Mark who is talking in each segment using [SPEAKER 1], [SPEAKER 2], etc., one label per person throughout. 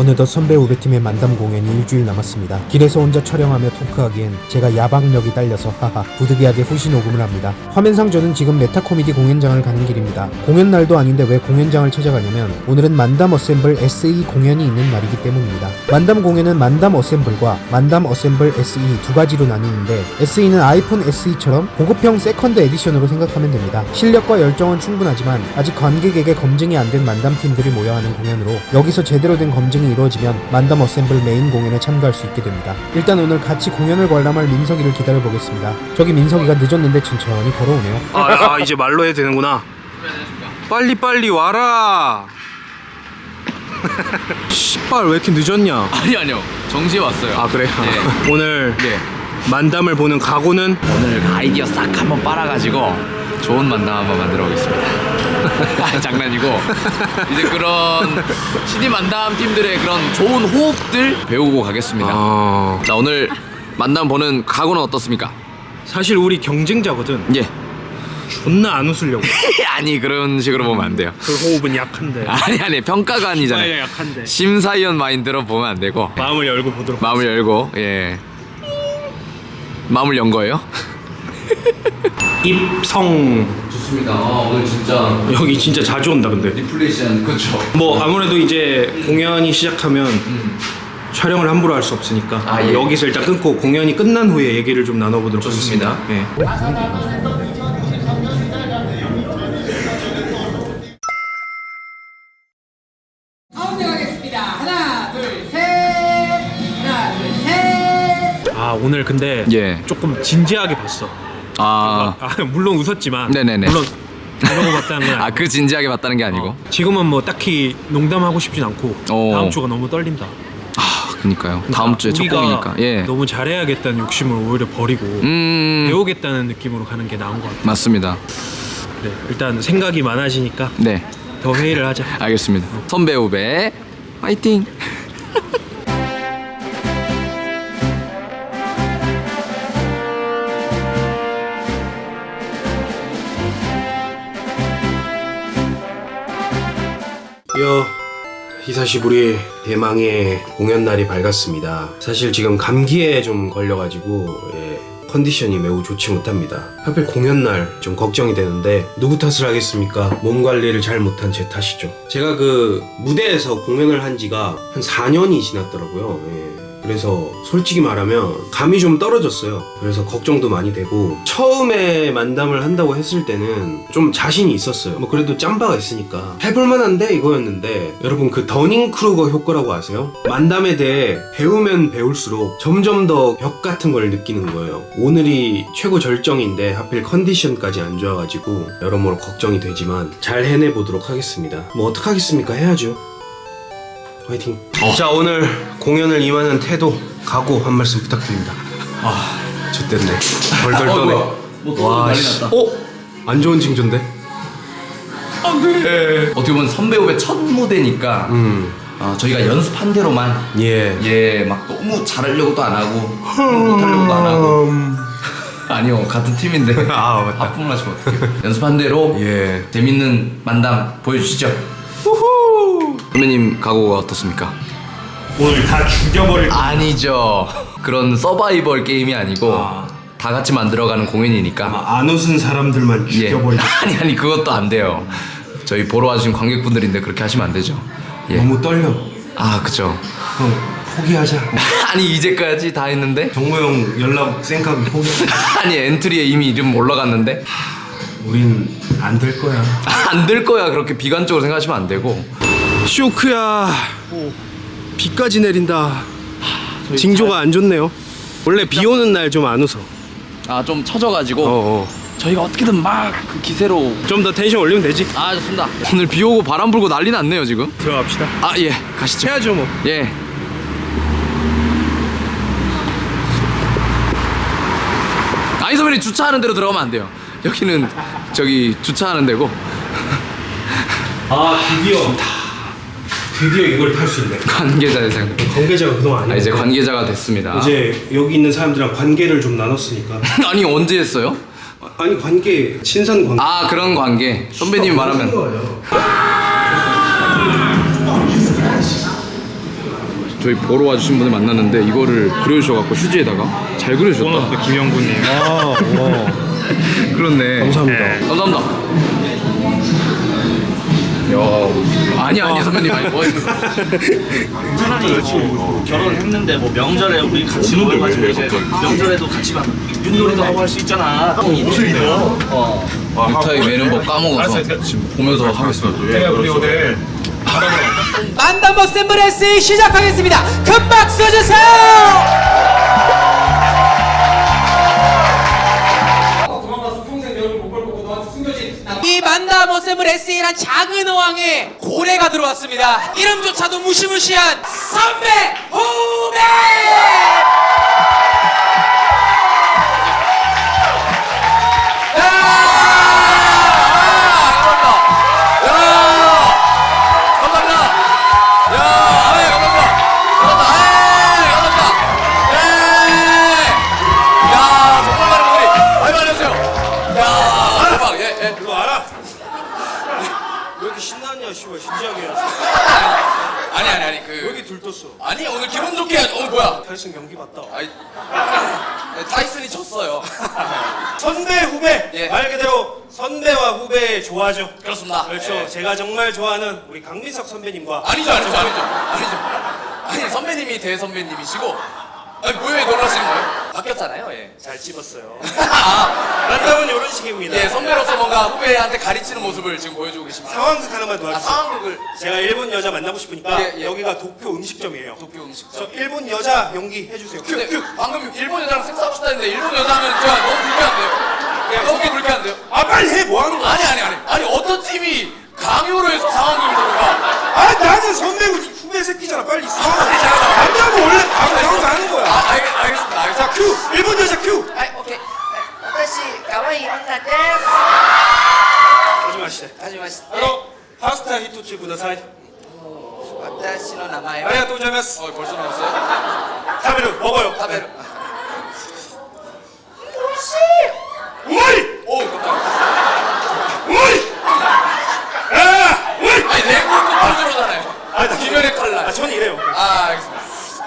[SPEAKER 1] 어느덧 선배 후배팀의 만담 공연이 일주일 남았습니다. 길에서 혼자 촬영하며 토크하기엔 제가 야박력이 딸려서 하하 부득이하게 후시 녹음을 합니다. 화면상 저는 지금 메타코미디 공연장을 가는 길입니다. 공연 날도 아닌데 왜 공연장을 찾아가냐면 오늘은 만담 어셈블 SE 공연이 있는 날이기 때문입니다. 만담 공연은 만담 어셈블과 만담 어셈블 SE 두 가지로 나뉘는데 SE는 아이폰 SE처럼 고급형 세컨드 에디션으로 생각하면 됩니다. 실력과 열정은 충분하지만 아직 관객에게 검증이 안 된 만담팀들이 모여 하는 공연으로 여기서 제대로 된 검증이 이루어지면 만담 어셈블 메인 공연에 참가할 수 있게 됩니다. 일단 오늘 같이 공연을 관람할 민석이를 기다려보겠습니다. 저기 민석이가 늦었는데 천천히 걸어오네요.
[SPEAKER 2] 이제 말로 해도 되는구나. 빨리 와라. 씨발 왜 이렇게 늦었냐?
[SPEAKER 3] 아니요 정시에 왔어요.
[SPEAKER 2] 아 그래?
[SPEAKER 3] 네.
[SPEAKER 2] 오늘
[SPEAKER 3] 네.
[SPEAKER 2] 만담을 보는 각오는?
[SPEAKER 3] 오늘 아이디어 싹 한번 빨아가지고 좋은 만담 한번 만들어 보겠습니다. 장난이고 이제 그런 CD 만담 팀들의 그런 좋은 호흡들 배우고 가겠습니다. 자 오늘 만담 보는 각오는 어떻습니까?
[SPEAKER 2] 사실 우리 경쟁자거든.
[SPEAKER 3] 예.
[SPEAKER 2] 존나 안 웃으려고.
[SPEAKER 3] 아니 그런 식으로 보면 안 돼요.
[SPEAKER 2] 그 호흡은 약한데.
[SPEAKER 3] 아니 평가가 아니잖아요.
[SPEAKER 2] 약한데.
[SPEAKER 3] 심사위원 마인드로 보면 안 되고
[SPEAKER 2] 마음을 열고 보도록.
[SPEAKER 3] 마음을 열고 예. 마음을 연 거예요?
[SPEAKER 2] 입성.
[SPEAKER 3] 좋습니다. 오늘 진짜
[SPEAKER 2] 여기 진짜 자주 온다 근데.
[SPEAKER 3] 리플레이션 그렇죠.
[SPEAKER 2] 뭐 아무래도 이제 공연이 시작하면 촬영을 함부로 할 수 없으니까
[SPEAKER 3] 예.
[SPEAKER 2] 여기서 일단 끊고 공연이 끝난 후에 얘기를 좀 나눠보도록
[SPEAKER 3] 좋습니다.
[SPEAKER 2] 하겠습니다. 네.
[SPEAKER 4] 가운데 가겠습니다. 하나, 둘, 셋. 하나, 둘, 셋.
[SPEAKER 2] 아 오늘 근데
[SPEAKER 3] 예.
[SPEAKER 2] 조금 진지하게 봤어. 물론 웃었지만.
[SPEAKER 3] 네네네.
[SPEAKER 2] 물론 이러고 봤다는 건 아니고.
[SPEAKER 3] 그 진지하게 봤다는 게 아니고.
[SPEAKER 2] 지금은 뭐 딱히 농담하고 싶진 않고
[SPEAKER 3] 오.
[SPEAKER 2] 다음 주가 너무 떨린다.
[SPEAKER 3] 그니까요. 다음 주에 첫
[SPEAKER 2] 우리가
[SPEAKER 3] 공이니까. 예.
[SPEAKER 2] 너무 잘해야겠다는 욕심을 오히려 버리고 배우겠다는 느낌으로 가는 게 나은 것 같아.
[SPEAKER 3] 맞습니다.
[SPEAKER 2] 네, 일단 생각이 많아지니까
[SPEAKER 3] 네.
[SPEAKER 2] 더 회의를 하자.
[SPEAKER 3] 알겠습니다. 선배 후배 화이팅.
[SPEAKER 1] 히사시부리 대망의 공연 날이 밝았습니다. 사실 지금 감기에 좀 걸려가지고 컨디션이 매우 좋지 못합니다. 하필 공연 날 좀 걱정이 되는데 누구 탓을 하겠습니까? 몸 관리를 잘 못한 제 탓이죠. 제가 그 무대에서 공연을 한 지가 한 4년이 지났더라고요. 그래서 솔직히 말하면 감이 좀 떨어졌어요. 그래서 걱정도 많이 되고 처음에 만담을 한다고 했을 때는 좀 자신이 있었어요. 뭐 그래도 짬바가 있으니까 해볼만한데 이거였는데 여러분 그 더닝 크루거 효과라고 아세요? 만담에 대해 배우면 배울수록 점점 더 벽 같은 걸 느끼는 거예요. 오늘이 최고 절정인데 하필 컨디션까지 안 좋아가지고 여러모로 걱정이 되지만 잘 해내보도록 하겠습니다. 뭐 어떡하겠습니까? 해야죠. 화이팅. 자 오늘 공연을 임하는 태도, 각오 한 말씀 부탁드립니다. 좋댔네. 덜덜 떠네. 와 씨. 안 좋은 징조인데?
[SPEAKER 3] 어떻게 보면 선배 후배 첫 무대니까 저희가 연습한 대로만 막 너무 잘하려고도 안 하고 못하려고도 안 하고 아니요 같은 팀인데
[SPEAKER 2] 맞다.
[SPEAKER 3] 하품 마시면 어떡해. 연습한 대로 재밌는 만담 보여주시죠. 선배님 각오가 어떻습니까?
[SPEAKER 2] 오늘 다 죽여버릴 거야.
[SPEAKER 3] 아니죠. 그런 서바이벌 게임이 아니고 다 같이 만들어가는 공연이니까.
[SPEAKER 2] 안 웃은 사람들만 죽여버릴 거야.
[SPEAKER 3] 아니 그것도 안 돼요. 저희 보러 와주신 관객분들인데 그렇게 하시면 안 되죠.
[SPEAKER 2] 너무 떨려.
[SPEAKER 3] 그쵸.
[SPEAKER 2] 포기하자.
[SPEAKER 3] 아니 이제까지 다 했는데.
[SPEAKER 2] 정모 형 연락 생각이 포기하자.
[SPEAKER 3] 아니 엔트리에 이미 이름 올라갔는데.
[SPEAKER 2] 우린 안 될 거야.
[SPEAKER 3] 안 될 거야. 그렇게 비관적으로 생각하시면 안 되고.
[SPEAKER 2] 쇼크야. 비까지 내린다. 징조가 안 좋네요. 원래 비 오는 날 좀 안 웃어.
[SPEAKER 3] 좀 처져가지고 저희가 어떻게든 막 그 기세로
[SPEAKER 2] 좀 더 텐션 올리면 되지.
[SPEAKER 3] 좋습니다. 오늘 비 오고 바람 불고 난리 났네요 지금.
[SPEAKER 2] 들어갑시다.
[SPEAKER 3] 예 가시죠.
[SPEAKER 2] 해야죠 뭐.
[SPEAKER 3] 예. 아니 선배님 주차하는 데로 들어가면 안 돼요. 여기는 저기 주차하는 데고.
[SPEAKER 2] 드디어 이걸 탈 수 있네.
[SPEAKER 3] 관계자 대상.
[SPEAKER 2] 관계자가 그동안 아니야.
[SPEAKER 3] 이제 관계자가 됐습니다.
[SPEAKER 2] 이제 여기 있는 사람들이랑 관계를 좀 나눴으니까.
[SPEAKER 3] 아니 언제 했어요?
[SPEAKER 2] 아니 관계, 친선 관계.
[SPEAKER 3] 그런 관계. 선배님 말하면. 저희 보러 와주신 분을 만났는데 이거를 그려주셔갖고 휴지에다가 잘 그려주셨다.
[SPEAKER 5] 김영구님.
[SPEAKER 2] 아,
[SPEAKER 3] 그렇네.
[SPEAKER 2] 감사합니다.
[SPEAKER 5] 네.
[SPEAKER 3] 감사합니다. 야, 아니 선배님 아니 뭐
[SPEAKER 6] 차라리 뭐 결혼했는데 뭐 명절에 우리 같이 모여가지고 이제 명절에도 같이 막 윷놀이도 하고 할 수 있잖아. 무슨 일이요?
[SPEAKER 3] 넥타이 매는 법 까먹어서 지금 보면서 하겠습니다.
[SPEAKER 5] 우리 오늘
[SPEAKER 4] 만담 어셈블레스 시작하겠습니다. 큰 박수 주세요. 이 만담 어셈블레스란 작은 어항에 고래가 들어왔습니다. 이름조차도 무시무시한 선배 후배.
[SPEAKER 2] 이거 알아? 왜 이렇게 신나냐, 씨발, 진지하게 해야지.
[SPEAKER 3] 아니
[SPEAKER 2] 왜 이렇게 들떴어?
[SPEAKER 3] 아니 오늘 기분 좋게 해야지. 오늘 뭐야?
[SPEAKER 2] 탈슨 경기 봤다.
[SPEAKER 3] 아니 타이슨이 졌어요.
[SPEAKER 2] 선배, 후배!
[SPEAKER 3] 예.
[SPEAKER 2] 말 그대로 선배와 후배 좋아하죠.
[SPEAKER 3] 그렇습니다.
[SPEAKER 2] 그렇죠.
[SPEAKER 3] 예.
[SPEAKER 2] 제가 정말 좋아하는 우리 강민석 선배님과
[SPEAKER 3] 아니죠. 아니 선배님이 대선배님이시고. 아니 왜 놀라시는 거예요? 바뀌었잖아요. 예.
[SPEAKER 2] 잘 찝었어요.
[SPEAKER 3] 아,
[SPEAKER 2] 만남은 이런 식입니다.
[SPEAKER 3] 예, 선배로서 뭔가 후배한테 가르치는 모습을 지금 보여주고 계십니다.
[SPEAKER 2] 상황극 하나만
[SPEAKER 3] 아,
[SPEAKER 2] 도와주세요.
[SPEAKER 3] 상황극을
[SPEAKER 2] 제가 일본 여자 만나고 싶으니까
[SPEAKER 3] 예, 예.
[SPEAKER 2] 여기가 도쿄 음식점이에요.
[SPEAKER 3] 도쿄 음식점.
[SPEAKER 2] 저 일본 여자 연기 해주세요.
[SPEAKER 3] 근데 방금 일본 여자랑 섹스하고 싶다는데 일본 여자면 제가 너무 불쾌한데요? 너무 불쾌한데요?
[SPEAKER 2] 아 빨리 해! 뭐 하는 거야?
[SPEAKER 3] 아니 어떤 팀이 강요로 해서 상황극을 들어가?
[SPEAKER 2] 아 나는 선배고 후배 새끼잖아. 빨리 남자는 원래 바로 상황 하는 거야.
[SPEAKER 3] 알겠습니다.
[SPEAKER 2] 자 큐! 일본 여자 큐!
[SPEAKER 3] 오케이.
[SPEAKER 7] 私可愛い女です
[SPEAKER 2] 하지 마시대.
[SPEAKER 7] はじめまして
[SPEAKER 2] 바로 파스타 히토츠 구다사이.
[SPEAKER 7] 私の名前は
[SPEAKER 2] 아리가또 고자이마스.
[SPEAKER 3] 벌써 나왔어요?
[SPEAKER 2] 타베르 먹어요.
[SPEAKER 3] 타베르.
[SPEAKER 2] 우마이!
[SPEAKER 3] 오, 깜짝이야.
[SPEAKER 2] 우마이! 아! 우마이!
[SPEAKER 3] 아니, 레고도 벌써잖아요.
[SPEAKER 2] 아, 나
[SPEAKER 3] 김연의 칼날.
[SPEAKER 2] 아, 전 이래요.
[SPEAKER 3] 아, 알겠습니다.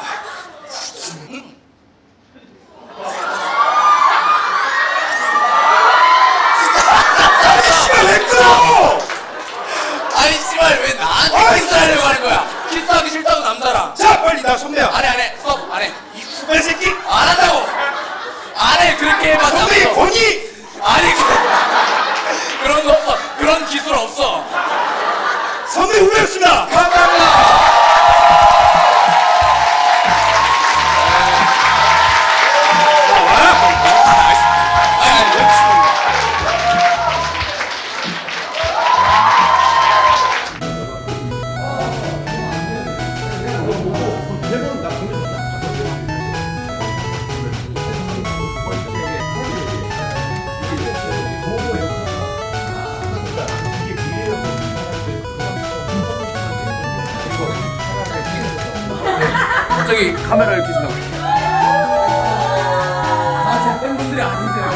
[SPEAKER 2] 씨발 왜 끊어!
[SPEAKER 3] 아니, 씨발, 왜 나한테
[SPEAKER 2] 아이,
[SPEAKER 3] 키스하려고 하는 거야? 키스하기 싫다고 남자랑.
[SPEAKER 2] 자 빨리 나 선배야.
[SPEAKER 3] 안 해. 스톱, 안 해.
[SPEAKER 2] 이 후배 새끼.
[SPEAKER 3] 안 한다고! 안 해, 그렇게 해봐.
[SPEAKER 2] 선배
[SPEAKER 3] 잡아서.
[SPEAKER 2] 권위.
[SPEAKER 3] 아니, 그런 거 없어. 그런 기술 없어.
[SPEAKER 2] 선배 후배였습니다.
[SPEAKER 3] 감사합니다. 갑자기 카메라를 켜신다고. 아, 제 팬분들이 아니세요.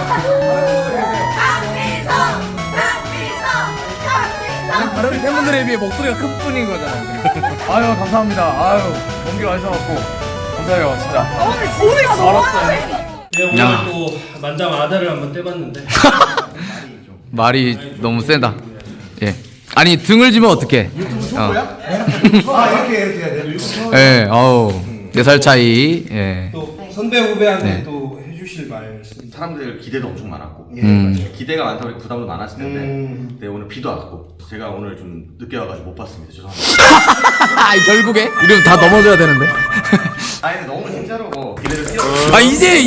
[SPEAKER 3] 다른 팬분들에 비해 목소리가 큰 뿐인 거잖아요. 아유, 감사합니다. 아유, 먼 길 와주셔갖고 감사해요, 진짜.
[SPEAKER 7] 소리가 너무
[SPEAKER 2] 네, 오늘 또 만장 아다를 한번 떼봤는데
[SPEAKER 3] 말이 너무 세다. 예. 아니 등을 지면 어떡해? 유튜브 초보야?
[SPEAKER 2] 아 이렇게 해야 돼.
[SPEAKER 3] 예. 어우. 4살 차이. 예.
[SPEAKER 2] 또 선배 후배한테
[SPEAKER 3] 네.
[SPEAKER 2] 또 해주실 말씀.
[SPEAKER 6] 사람들 기대도 엄청 많았고 기대가 많다고 해서 부담도 많았을 텐데 근데 오늘 비도 왔고 제가 오늘 좀 늦게 와가지고 못 봤습니다. 죄송합니다.
[SPEAKER 3] 결국에 이러면 다 넘어져야 되는데.
[SPEAKER 6] 아니 근데 너무 진짜로 뭐 기대를 뛰어
[SPEAKER 3] 아 이제?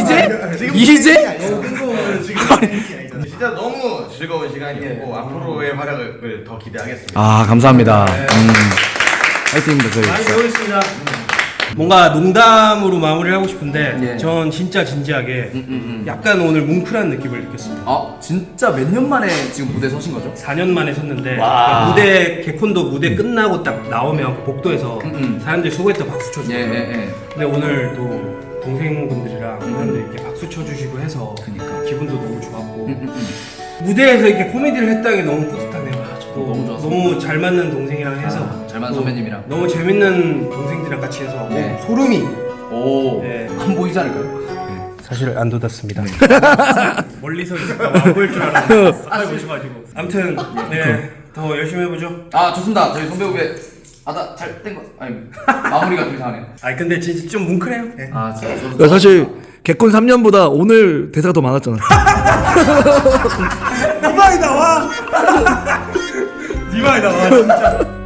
[SPEAKER 6] 진짜 너무 즐거운 시간이었고 앞으로의 활약을 더 기대하겠습니다.
[SPEAKER 3] 아 감사합니다. 화이팅입니다 저희.
[SPEAKER 2] 많이 배우겠습니다. 뭔가 농담으로 마무리를 하고 싶은데 전 진짜 진지하게 약간 오늘 뭉클한 느낌을 느꼈습니다.
[SPEAKER 3] 아 진짜 몇 년 만에 지금 무대 서신 거죠?
[SPEAKER 2] 4년 만에 섰는데 그러니까 무대 개콘도 무대 끝나고 딱 나오면 복도에서 사람들이 수고했다 박수 쳐주고 근데 오늘 또 동생분들이랑 사람들이 이렇게 박수 쳐주시고 해서 기분도 너무 좋았고 무대에서 이렇게 코미디를 했다는 게 너무 뿌듯하네요. 저도 너무 잘 맞는 동생이랑 해서
[SPEAKER 3] 잘 맞는
[SPEAKER 2] 또
[SPEAKER 3] 선배님이랑.
[SPEAKER 2] 너무 재밌는 동생들이랑 같이 해서
[SPEAKER 3] 네.
[SPEAKER 2] 소름이
[SPEAKER 3] 오,
[SPEAKER 2] 네.
[SPEAKER 3] 안 보이지 않을까요?
[SPEAKER 2] 사실 안 돋았습니다. 멀리서 있을까 안 보일 줄 알았는데 쌀 보셔가지고 아무튼 더 열심히 해보죠.
[SPEAKER 3] 아, 좋습니다. 저희 손배우배 잘 된 거. 아니, 마무리가 좀 이상하네요.
[SPEAKER 2] 아 근데 진짜 좀 뭉클해요. 네.
[SPEAKER 3] 아, 진짜 저도
[SPEAKER 5] 그러니까 사실 개콘 3년보다 오늘 대사가 더 많았잖아.
[SPEAKER 2] 네 말이 나와. 네 말이 나와 진짜.